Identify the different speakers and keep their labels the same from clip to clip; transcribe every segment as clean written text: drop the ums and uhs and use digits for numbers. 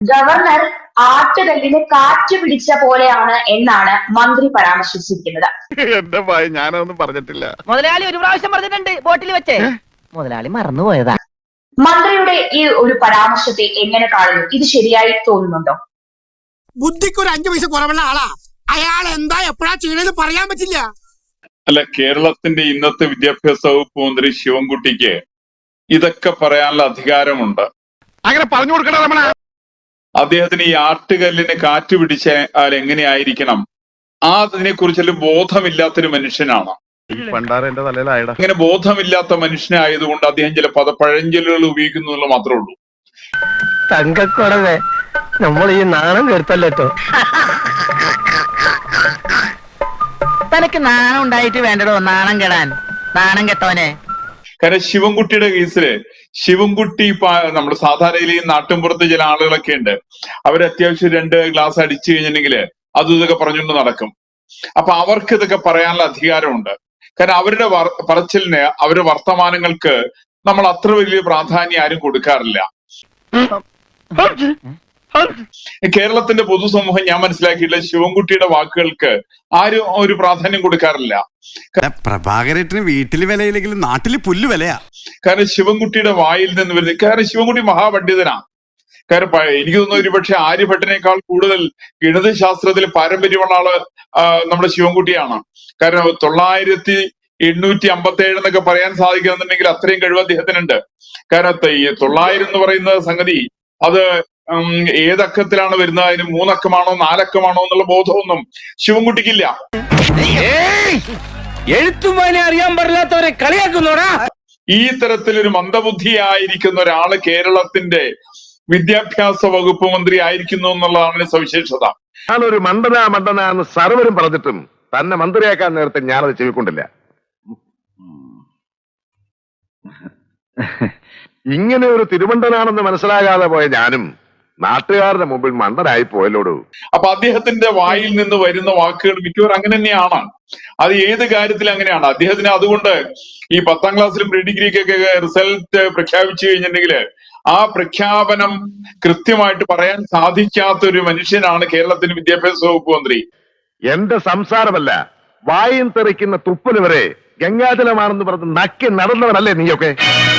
Speaker 1: Governor ആട്ടുകല്ലിന് കാറ്റ് പിടിച്ച പോലെയാണ് എന്നാണ് മന്ത്രി പരാമർശിച്ചിരിക്കുന്നത്.
Speaker 2: എന്റെ ഭയ ഞാനൊന്നും പറഞ്ഞിട്ടില്ല.
Speaker 3: മുതലാളി ഒരു പ്രാവശ്യം പറഞ്ഞിട്ടുണ്ട് ബോട്ടിൽ വെച്ച്. മുതലാളി മറന്നുപോയതാ.
Speaker 1: മന്ത്രിയുടെ ഈ ഒരു പരാമർശത്തെ എങ്ങനെ കാണുന്നു? ഇത് ശരിയായി തോന്നുന്നുണ്ടോ?
Speaker 4: ബുദ്ധിക്ക് ഒരു 5 പൈസ കുറവുള്ള ആളാ അയാൾ. എന്താ എപ്പോഴാ ചെയ്യണെന്ന് പറയാൻ പറ്റില്ല.
Speaker 5: അല്ല, കേരളത്തിന്റെ ഇന്നത്തെ വിദ്യാഭ്യാസ വകുപ്പ് മന്ത്രി ശിവൻകുട്ടിക്ക് ഇതൊക്കെ പറയാനുള്ള അധികാരമുണ്ട്.
Speaker 2: അങ്ങനെ പറഞ്ഞു കൊടുക്കണ രമണ.
Speaker 5: അദ്ദേഹത്തിന് ഈ ആട്ടുകല്ലിന് കാറ്റ് പിടിച്ചാൽ എങ്ങനെയായിരിക്കണം അതിനെ കുറിച്ചൊരു ബോധമില്ലാത്തൊരു മനുഷ്യനാണ്.
Speaker 2: പണ്ടാര എന്റെ തലയിലായടാ.
Speaker 5: അങ്ങനെ ബോധമില്ലാത്ത മനുഷ്യനായതുകൊണ്ട് അദ്ദേഹം ചില പഴഞ്ചൊല്ലുകൾ ഉപയോഗിക്കുന്നു എന്നുള്ളത് മാത്രമേ ഉള്ളൂ.
Speaker 3: തങ്കക്കുറവേ നമ്മൾ ഈ നാണം കെടുത്തല്ലോ. തനക്ക് നാണം ഉണ്ടായിട്ട് വേണ്ടടോ നാണം കെടാൻ. നാണം കെട്ടോനെ.
Speaker 5: കാരണം ശിവൻകുട്ടിയുടെ കേസില് ശിവൻകുട്ടി നമ്മുടെ സാധാരണയിൽ ഈ നാട്ടിൻപുറത്ത് ചില ആളുകളൊക്കെ ഉണ്ട്. അവർ അത്യാവശ്യം 2 ഗ്ലാസ് അടിച്ചു കഴിഞ്ഞിട്ടുണ്ടെങ്കിൽ അതും ഇതൊക്കെ പറഞ്ഞുകൊണ്ട് നടക്കും. അപ്പൊ അവർക്ക് ഇതൊക്കെ പറയാനുള്ള അധികാരമുണ്ട്. കാരണം അവരുടെ പറച്ചിലിന് അവരുടെ വർത്തമാനങ്ങൾക്ക് നമ്മൾ അത്ര വലിയ പ്രാധാന്യം ആരും കൊടുക്കാറില്ല. കേരളത്തിന്റെ പൊതുസമൂഹം ഞാൻ മനസ്സിലാക്കിയില്ല ശിവൻകുട്ടിയുടെ വാക്കുകൾക്ക് ആരും ഒരു പ്രാധാന്യം കൊടുക്കാറില്ല.
Speaker 6: പ്രഭാകരേട്ടന് വീട്ടില് വിലയില്ലെങ്കിലും നാട്ടില് പുല്ല് വിലയാ.
Speaker 5: കാരണം ശിവൻകുട്ടിയുടെ വായിൽ നിന്ന് വരുന്നത്, കാരണം ശിവൻകുട്ടി മഹാപണ്ഡിതനാണ്. കാരണം എനിക്ക് തോന്നുന്നു ഒരുപക്ഷെ ആര്യഭട്ടനേക്കാൾ കൂടുതൽ ഗണിത ശാസ്ത്രത്തിൽ പാരമ്പര്യമുള്ള ആള് നമ്മുടെ ശിവൻകുട്ടിയാണ്. കാരണം 9857 എന്നൊക്കെ പറയാൻ സാധിക്കുന്നുണ്ടെങ്കിൽ അത്രയും കഴിവ് അദ്ദേഹത്തിനുണ്ട്. കാരണം 900 എന്ന് പറയുന്ന സംഗതി അത് ഏതക്കത്തിലാണ് വരുന്നത്, അതിന് 3 അക്കമാണോ 4 അക്കമാണോ എന്നുള്ള ബോധമൊന്നും ശിവൻകുട്ടിക്കില്ല.
Speaker 3: എഴുത്തുമാനെ അറിയാൻ പാടില്ലാത്തവരെ കളിയാക്കുന്നോടാ.
Speaker 5: ഈ തരത്തിലൊരു മന്ദബുദ്ധിയായിരിക്കുന്ന ഒരാള് കേരളത്തിന്റെ വിദ്യാഭ്യാസ വകുപ്പ് മന്ത്രി ആയിരിക്കുന്നു എന്നുള്ളതാണ് സവിശേഷത.
Speaker 2: ഞാനൊരു മണ്ടനാന്ന് സർവരും പറഞ്ഞിട്ടും തന്നെ മന്ത്രിയാക്കാൻ നേരത്തെ ഞാനത് ചെവിക്കൊണ്ടില്ല. ഇങ്ങനെ ഒരു തിരുമണ്ടനാണെന്ന് മനസ്സിലാകാതെ പോയ ഞാനും നാട്ടുകാരുടെ മുമ്പിൽ മണ്ടനായി പോയല്ലോടൂ.
Speaker 5: അപ്പൊ അദ്ദേഹത്തിന്റെ വായിൽ നിന്ന് വരുന്ന വാക്കുകൾ മിക്കവാറും അങ്ങനെ തന്നെയാണ്. അത് ഏത് കാര്യത്തിൽ അങ്ങനെയാണ്. അദ്ദേഹത്തിന് അതുകൊണ്ട് ഈ 10ാം ക്ലാസ്സിലും പ്രീ ഡിഗ്രിക്കൊക്കെ റിസൾട്ട് പ്രഖ്യാപിച്ചു കഴിഞ്ഞിട്ടുണ്ടെങ്കിൽ ആ പ്രഖ്യാപനം കൃത്യമായിട്ട് പറയാൻ സാധിക്കാത്ത ഒരു മനുഷ്യനാണ് കേരളത്തിന്റെ വിദ്യാഭ്യാസ വകുപ്പ് മന്ത്രി.
Speaker 2: എന്റെ സംസാരമല്ല, വായും തെറിക്കുന്ന തുപ്പല് വരെ ഗംഗാജലമാണെന്ന് പറഞ്ഞ് നക്കി നടന്നവനല്ലേ നീയൊക്കെ?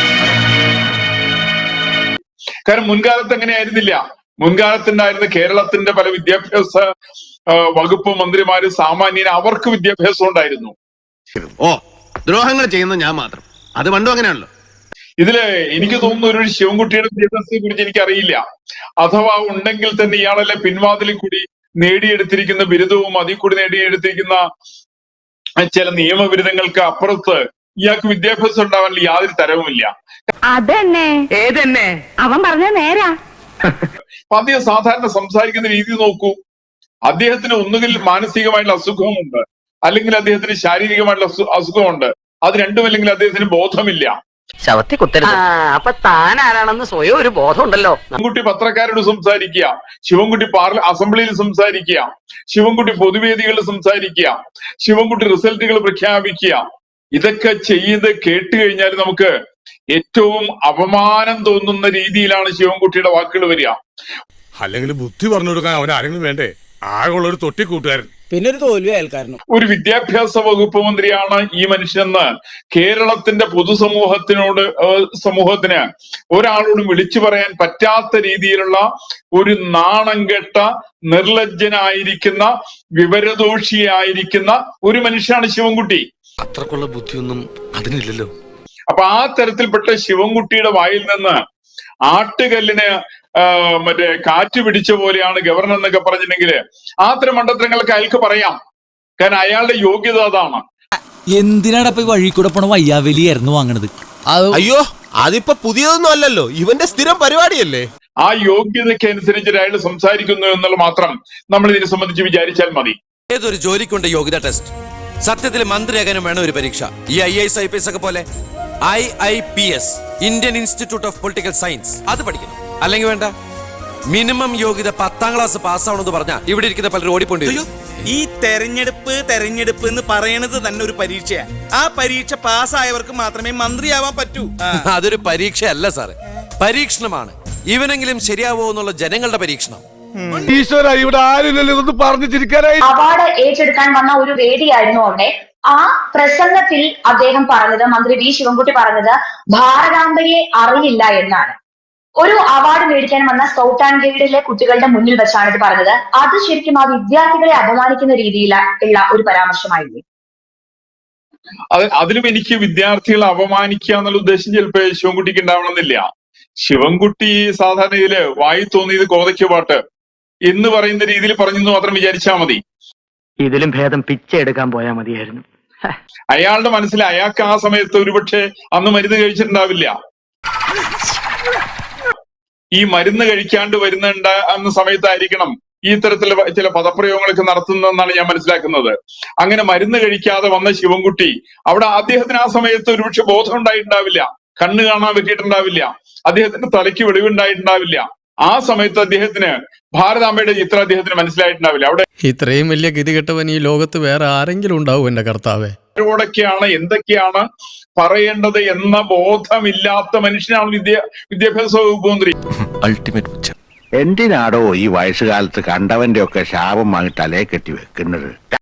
Speaker 5: കാരണം മുൻകാലത്ത് എങ്ങനെയായിരുന്നില്ല. മുൻകാലത്തുണ്ടായിരുന്ന കേരളത്തിന്റെ പല വിദ്യാഭ്യാസ വകുപ്പ് മന്ത്രിമാര് സാമാന്യന് അവർക്ക് വിദ്യാഭ്യാസം ഉണ്ടായിരുന്നു.
Speaker 6: ഓ, ദ്രോഹങ്ങൾ ചെയ്യുന്ന ഞാൻ മാത്രം. അത് പണ്ടും അങ്ങനെയാണല്ലോ.
Speaker 5: ഇതില് എനിക്ക് തോന്നുന്നു ഒരു ശിവൻകുട്ടിയുടെ വിദ്യാഭ്യാസത്തെ കുറിച്ച് എനിക്കറിയില്ല. അഥവാ ഉണ്ടെങ്കിൽ തന്നെ ഇയാളെല്ലാം പിൻവാതിലിൽ കൂടി നേടിയെടുത്തിരിക്കുന്ന ബിരുദവും അതിൽ കൂടി നേടിയെടുത്തിരിക്കുന്ന ചില നിയമബിരുദങ്ങൾക്ക് അപ്പുറത്ത് ഇയാൾക്ക് വിദ്യാഭ്യാസം ഉണ്ടാവാനുള്ള യാതൊരു തരവുമില്ല.
Speaker 3: അതന്നെ ഏതന്നെ അവൻ പറഞ്ഞ നേരാ.
Speaker 5: അപ്പൊ അദ്ദേഹം സാധാരണ സംസാരിക്കുന്ന രീതി നോക്കൂ. അദ്ദേഹത്തിന് ഒന്നുകിൽ മാനസികമായിട്ടുള്ള അസുഖമുണ്ട്, അല്ലെങ്കിൽ അദ്ദേഹത്തിന് ശാരീരികമായിട്ടുള്ള അസുഖമുണ്ട്. അത് രണ്ടുമല്ലെങ്കിൽ അദ്ദേഹത്തിന് ബോധമില്ല.
Speaker 3: ശവത്തി കുത്തരുത്. അപ്പൊ താൻ ആരാണെന്ന് സ്വയം ഒരു ബോധം ഉണ്ടല്ലോ.
Speaker 5: ശിവൻകുട്ടി പത്രക്കാരോട് സംസാരിക്കുക, ശിവൻകുട്ടി അസംബ്ലിയിൽ സംസാരിക്കുക, ശിവൻകുട്ടി പൊതുവേദികളിൽ സംസാരിക്കുക, ശിവൻകുട്ടി റിസൾട്ടുകൾ പ്രഖ്യാപിക്കുക. ഇതൊക്കെ ചെയ്ത് കേട്ട് കഴിഞ്ഞാൽ നമുക്ക് ഏറ്റവും അപമാനം തോന്നുന്ന രീതിയിലാണ് ശിവൻകുട്ടിയുടെ വാക്കുകൾ വരിക.
Speaker 7: അല്ലെങ്കിൽ ബുദ്ധി പറഞ്ഞു കൊടുക്കാൻ അവൻ ആരെങ്കിലും വേണ്ടേ? ആകെയുള്ള ഒരു തൊട്ടിക്കൂട്ടുകാരൻ,
Speaker 4: പിന്നെ ഒരു തോൽവി അയൽക്കാരനും.
Speaker 5: ഒരു വിദ്യാഭ്യാസ വകുപ്പ് മന്ത്രിയാണ് ഈ മനുഷ്യനെന്ന് കേരളത്തിന്റെ സമൂഹത്തിന് ഒരാളോടും വിളിച്ചു പറയാൻ പറ്റാത്ത രീതിയിലുള്ള ഒരു നാണം കെട്ട, നിർലജ്ജനായിരിക്കുന്ന, വിവരദോഷിയായിരിക്കുന്ന ഒരു മനുഷ്യനാണ് ശിവൻകുട്ടി.
Speaker 7: അത്രക്കുള്ള ബുദ്ധിയൊന്നും അതിനില്ലല്ലോ.
Speaker 5: അപ്പൊ ആ തരത്തിൽപ്പെട്ട ശിവൻകുട്ടിയുടെ വായിൽ നിന്ന് ആട്ടുകല്ലിന് മറ്റേ കാറ്റ് പിടിച്ച പോലെയാണ് ഗവർണർ എന്നൊക്കെ പറഞ്ഞിട്ടുണ്ടെങ്കിൽ അത്തരം മണ്ടത്തരങ്ങളൊക്കെ അയാൾക്ക് പറയാം. കാരണം അയാളുടെ യോഗ്യത അതാണ്.
Speaker 8: എന്തിനാടപ്പ വഴി കൂടെ പോണ വയ്യാവലിയായിരുന്നു വാങ്ങണത്?
Speaker 9: അയ്യോ, അതിപ്പോ പുതിയതൊന്നും അല്ലല്ലോ, ഇവന്റെ സ്ഥിരം പരിപാടിയല്ലേ.
Speaker 5: ആ യോഗ്യതയ്ക്ക് അനുസരിച്ച് അയാൾ സംസാരിക്കുന്നു എന്നുള്ള മാത്രം നമ്മൾ ഇതിനെ സംബന്ധിച്ച് വിചാരിച്ചാൽ മതി.
Speaker 9: ഏതൊരു ജോലിക്കുണ്ട് യോഗ്യത ടെസ്റ്റ്. സത്യത്തിൽ മന്ത്രിയാകാനും വേണം ഒരു പരീക്ഷ. ഈ IAS IPS ഒക്കെ പോലെ IIPS, Indian institute of political science, അത് പഠിക്കണം. അല്ലെങ്കിൽ വേണ്ട, മിനിമം യോഗ്യത 10ാം ക്ലാസ് പാസ്സാവണമെന്ന് പറഞ്ഞാൽ ഇവിടെ ഇരിക്കുന്ന പലരും ഓടിപ്പോണ്ടി.
Speaker 10: ഈ തെരഞ്ഞെടുപ്പ് എന്ന് പറയണത് തന്നെ ഒരു പരീക്ഷയാ. ആ പരീക്ഷ പാസ്സായവർക്ക് മാത്രമേ മന്ത്രിയാവാൻ പറ്റൂ.
Speaker 9: അതൊരു പരീക്ഷയല്ല സാറേ, പരീക്ഷണമാണ്. ഇവനെങ്കിലും ശരിയാവോ എന്നുള്ള ജനങ്ങളുടെ പരീക്ഷണം.
Speaker 2: ഈശ്വര ഇവിടെ ആരില്ലല്ലോ ഇതൊന്ന് പറഞ്ഞു ചിരിക്കാനായി.
Speaker 1: അവാർഡ് ഏറ്റെടുക്കാൻ വന്ന ഒരു വേദിയായിരുന്നു അവിടെ. ആ പ്രസംഗത്തിൽ അദ്ദേഹം പറഞ്ഞത്, മന്ത്രി വി ശിവൻകുട്ടി പറഞ്ഞത്, ഭാരതാംബയെ അറിയില്ല എന്നാണ്. ഒരു അവാർഡ് മേടിക്കാൻ വന്ന സ്കൗട്ട് ആൻഡ് ഗൈഡിലെ കുട്ടികളുടെ മുന്നിൽ വെച്ചാണ് ഇത് പറഞ്ഞത്. അത് ശരിക്കും ആ വിദ്യാർത്ഥികളെ അപമാനിക്കുന്ന രീതിയിലുള്ള ഒരു പരാമർശമായിരുന്നു.
Speaker 5: അതിലും എനിക്ക് വിദ്യാർത്ഥികളെ അപമാനിക്കുക എന്നുള്ള ഉദ്ദേശം ചിലപ്പോൾ ശിവൻകുട്ടിക്ക് ഉണ്ടാവണമെന്നില്ല. ശിവൻകുട്ടി സാധാരണ ഇതില് വായി തോന്നിയത് കോതയ്ക്ക് പാട്ട് എന്ന് പറയുന്ന രീതിയിൽ പറഞ്ഞെന്ന് മാത്രം വിചാരിച്ചാൽ മതി.
Speaker 3: ഇതിലും ഭേദം പിച്ച എടുക്കാൻ പോയാൽ മതിയായിരുന്നു.
Speaker 5: അയാളുടെ മനസ്സിൽ അയാൾക്ക് ആ സമയത്ത് ഒരുപക്ഷെ അന്ന് മരുന്ന് കഴിച്ചിട്ടുണ്ടാവില്ല. ഈ മരുന്ന് കഴിക്കാണ്ട് എന്ന സമയത്തായിരിക്കണം ഈ ഇത്തരത്തിലുള്ള ചില പദപ്രയോഗങ്ങളൊക്കെ നടത്തുന്നതെന്നാണ് ഞാൻ മനസ്സിലാക്കുന്നത്. അങ്ങനെ മരുന്ന് കഴിക്കാതെ വന്ന ശിവൻകുട്ടി അവിടെ അദ്ദേഹത്തിന് ആ സമയത്ത് ഒരുപക്ഷെ ബോധം ഉണ്ടായിട്ടുണ്ടാവില്ല, കണ്ണ് കാണാൻ പറ്റിയിട്ടുണ്ടാവില്ല, അദ്ദേഹത്തിന്റെ തലയ്ക്ക് വെളിവുണ്ടായിട്ടുണ്ടാവില്ല. ആ സമയത്ത് അദ്ദേഹത്തിന് ഭാരതാംബയുടെ ചിത്രം അദ്ദേഹത്തിന് മനസ്സിലായിട്ടുണ്ടാവില്ല. അവിടെ
Speaker 6: ഇത്രയും വലിയ ഗതികെട്ടവൻ ഈ ലോകത്ത് വേറെ ആരെങ്കിലും ഉണ്ടാവും എന്റെ കർത്താവേ.
Speaker 5: ോടൊക്കെയാണ് എന്തൊക്കെയാണ് പറയേണ്ടത് എന്ന ബോധമില്ലാത്ത മനുഷ്യനാണ് വിദ്യാഭ്യാസ വകുപ്പ് മന്ത്രി.
Speaker 2: എന്തിനാടോ ഈ വയസ്സുകാലത്ത് കണ്ടവന്റെ ഒക്കെ ശാപം വാങ്ങി തലയെ കെട്ടി വെക്കുന്നത്?